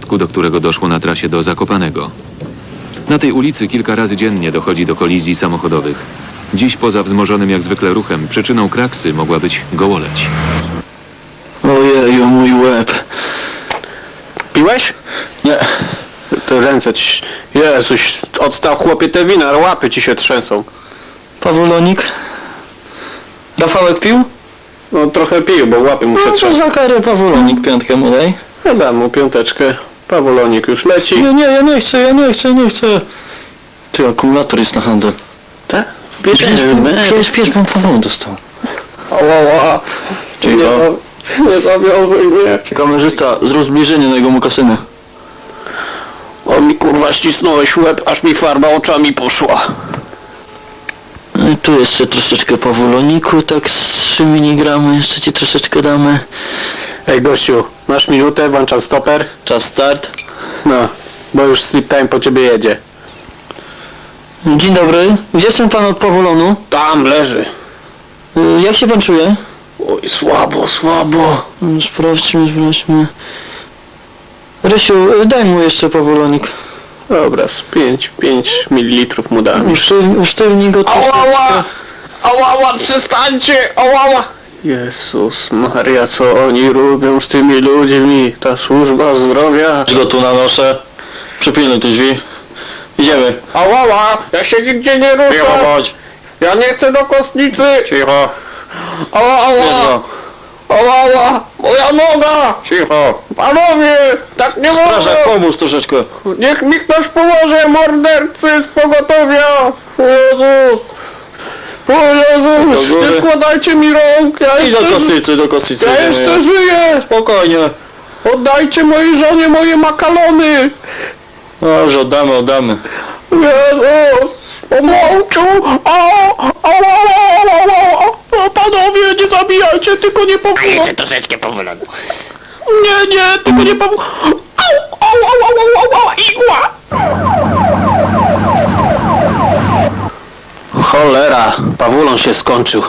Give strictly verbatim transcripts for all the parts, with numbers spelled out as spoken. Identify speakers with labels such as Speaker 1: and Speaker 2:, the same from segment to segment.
Speaker 1: wypadku, do którego doszło na trasie do Zakopanego. Na tej ulicy kilka razy dziennie dochodzi do kolizji samochodowych. Dziś poza wzmożonym jak zwykle ruchem przyczyną kraksy mogła być gołoleć.
Speaker 2: Ojeju, mój łeb.
Speaker 3: Piłeś?
Speaker 2: Nie.
Speaker 3: To ręce ci... Jezuś, odstał chłopie te wina, łapy ci się trzęsą.
Speaker 2: Pawulonik? Rafałek pił?
Speaker 3: No trochę pił, bo łapy mu się
Speaker 2: No to
Speaker 3: trzęsą.
Speaker 2: za karę Pawulonik piątkę mu daj.
Speaker 3: Ja dam mu piąteczkę. Pawulonik już leci.
Speaker 2: Nie, nie, ja nie chcę, ja nie chcę, nie chcę. Ty, akumulator jest na handel.
Speaker 3: Tak?
Speaker 2: Pies, pies, pies, bym Paweł dostał.
Speaker 3: Ała, nie,
Speaker 2: Cicho.
Speaker 3: nie zawiązuj mnie.
Speaker 2: Kamerzysta, zrób zbliżenie na jego mokasynę.
Speaker 3: O mi kurwa ścisnąłeś łeb, aż mi farba oczami poszła.
Speaker 2: No i tu jeszcze troszeczkę Pawuloniku, tak z trzy miligramy, jeszcze ci troszeczkę damy.
Speaker 3: Ej gościu, masz minutę, włączam stoper.
Speaker 2: Czas start.
Speaker 3: No, bo już sleep time po ciebie jedzie.
Speaker 2: Dzień dobry, gdzie jest pan od Pawulonu?
Speaker 3: Tam leży.
Speaker 2: Y, Jak się pan czuje?
Speaker 3: Oj, słabo, słabo.
Speaker 2: Mm, Sprawdźmy, sprawdźmy. Rysiu, y, daj mu jeszcze Pawulonik.
Speaker 3: Dobra, z pięć, pięć mililitrów mu dam.
Speaker 2: Usztyw- Usztywnij go troszeczkę.
Speaker 3: Ała, ała, przestańcie, ała. Jezus Maria, co oni robią z tymi ludźmi? Ta służba zdrowia.
Speaker 2: Go tu nanoszę. Przypilnuj te drzwi. Idziemy.
Speaker 3: Ała, ja się nigdzie nie ruszę.
Speaker 2: Cicho bądź.
Speaker 3: Ja nie chcę do kostnicy.
Speaker 2: Cicho.
Speaker 3: Ała,
Speaker 2: Bierz
Speaker 3: ała,
Speaker 2: go.
Speaker 3: ała, ała, moja noga.
Speaker 2: Cicho.
Speaker 3: Panowie, tak nie wolno.
Speaker 2: Strażak, pomóż troszeczkę.
Speaker 3: Niech mi ktoś pomoże, mordercy z pogotowia. O Jezus. O Jezus,
Speaker 2: Do góry.
Speaker 3: nie składajcie mi rąk. Ja
Speaker 2: I do
Speaker 3: jeszcze,
Speaker 2: kostnicy, do kostnicy.
Speaker 3: ja
Speaker 2: idziemy.
Speaker 3: jeszcze żyję.
Speaker 2: Spokojnie.
Speaker 3: Oddajcie mojej żonie moje makalony.
Speaker 2: Dobrze, oddamy, oddamy.
Speaker 3: Jezus! Pomałczu! O! O! O! O! Panowie, nie zabijajcie, tylko nie pomóż!
Speaker 4: A jeszcze troszeczkę powolony.
Speaker 3: Nie, nie, tylko nie pomóż! Au! Au! Au! Au! Au! Au! Igła! Cholera, Pawulon się skończył.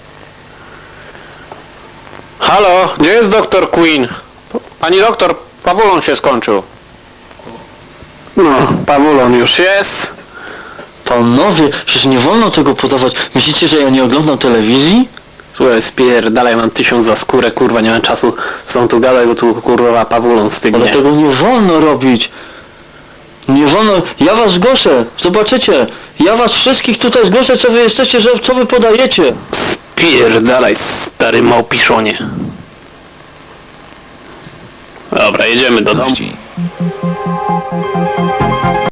Speaker 3: Halo, gdzie jest doktor Queen? Pani doktor, Pawulon się skończył. No, Pawulon już jest.
Speaker 2: Panowie, przecież nie wolno tego podawać. Myślicie, że ja nie oglądam telewizji?
Speaker 3: Słuchaj, spierdalaj, mam tysiąc za skórę, kurwa, nie mam czasu są tu gadać, bo tu kurwa Pawulon stygnie.
Speaker 2: Ale tego nie wolno robić. Nie wolno. Ja was zgłoszę. Zobaczycie. Ja was wszystkich tutaj zgłoszę, co wy jesteście, że co wy podajecie.
Speaker 3: Spierdalaj, stary małpiszonie. Dobra, jedziemy do domu.
Speaker 1: Gości.